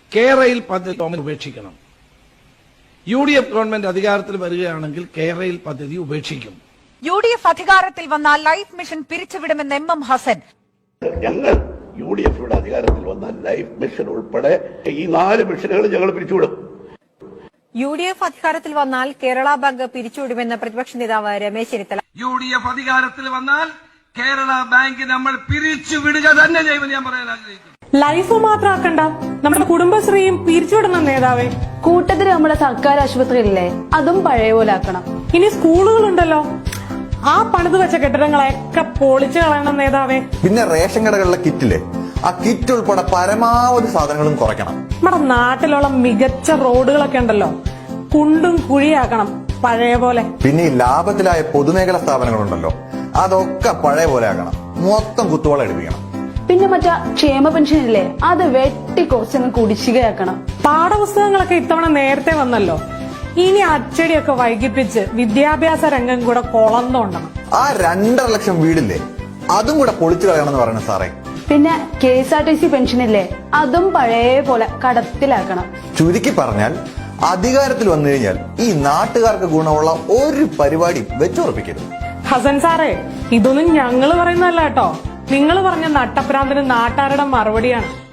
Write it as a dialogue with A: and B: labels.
A: കേരയിൽ പദ്ധതി ഉപേക്ഷിക്കണം. UDF ഗവൺമെന്റ് അധികാരത്തിൽ വരികയാണെങ്കിൽ കേരയിൽ പദ്ധതി ഉപേക്ഷിക്കും.
B: UDF അധികാരത്തിൽ വന്നാൽ ലൈഫ് മിഷൻ പിരിച്ചുവിടുമെന്ന് MM ഹസൻ.
C: ഞങ്ങൾ UDF അധികാരത്തിൽ വന്നാൽ ലൈഫ് മിഷൻ ഉൾപ്പെടെ ഈ 4 മിഷനുകൾ ഞങ്ങൾ പിരിച്ചുവിടും.
D: UDF അധികാരത്തിൽ വന്നാൽ കേരള ബാങ്ക് പിരിച്ചുവിടുമെന്ന് പ്രതിപക്ഷ നേതാവ് രമേശ് ചെന്നിത്തല.
A: UDF അധികാരത്തിൽ വന്നാൽ കേരള ബാങ്ക് നമ്മൾ പിരിച്ചുവിടുക തന്നെ ചെയ്യുമെന്ന് ഞാൻ പറയാൻ ആഗ്രഹിക്കുന്നു.
E: ലൈഫ് മാത്രമാക്കണ്ട, നമ്മുടെ കുടുംബശ്രീയും പിരിച്ചുവിടണം നേതാവേ.
F: കൂട്ടത്തിൽ നമ്മുടെ സർക്കാർ ആശുപത്രിയില്ലേ, അതും പഴയ പോലെ ആക്കണം.
E: ഇനി സ്കൂളുകളുണ്ടല്ലോ, ആ പണിത് വെച്ച കെട്ടിടങ്ങളെയൊക്കെ പൊളിച്ചു കളയണം നേതാവേ.
G: പിന്നെ റേഷൻ കടകളിലെ കിറ്റില്ലേ, ആ കിറ്റ് ഉൾപ്പെടെ പരമാവധി സാധനങ്ങളും കുറയ്ക്കണം.
E: നമ്മുടെ നാട്ടിലുള്ള മികച്ച റോഡുകളൊക്കെ ഉണ്ടല്ലോ, കുണ്ടും കുഴിയാക്കണം പഴയ പോലെ.
G: പിന്നെ ഈ ലാഭത്തിലായ പൊതുമേഖലാ സ്ഥാപനങ്ങളുണ്ടല്ലോ, അതൊക്കെ പഴയ പോലെ ആക്കണം. മൊത്തം കുത്തുവള എടുപ്പിക്കണം.
F: പിന്നെ മറ്റേ ക്ഷേമ പെൻഷൻ ഇല്ലേ, അത് വെട്ടിക്കുറച്ചങ്ങ് കുടിശ്ശികയാക്കണം.
E: പാഠപുസ്തകങ്ങളൊക്കെ ഇത്തവണ നേരത്തെ വന്നല്ലോ, ഇനി അച്ചടിയൊക്കെ വൈകിപ്പിച്ച് വിദ്യാഭ്യാസ രംഗം കൂടെ കൊളന്നോണ്ടണം.
G: ആ 2.5 ലക്ഷം വീടില്ലേ, അതും കൂടെ പൊളിച്ചു കളയണമെന്ന് പറയുന്നത് സാറേ.
F: പിന്നെ KSRTC പെൻഷൻ ഇല്ലേ, അതും പഴയ പോലെ കടത്തിലാക്കണം.
G: ചുരുക്കി പറഞ്ഞാൽ അധികാരത്തിൽ വന്നു കഴിഞ്ഞാൽ ഈ നാട്ടുകാർക്ക് ഗുണമുള്ള ഒരു പരിപാടി വെച്ചുറപ്പിക്കരുത്.
E: ഹസൻ സാറേ, ഇതൊന്നും ഞങ്ങള് പറയുന്നതല്ല കേട്ടോ, നിങ്ങൾ പറഞ്ഞ നട്ടപ്രാന്തിന് നാട്ടാരുടെ മറുപടിയാണ്.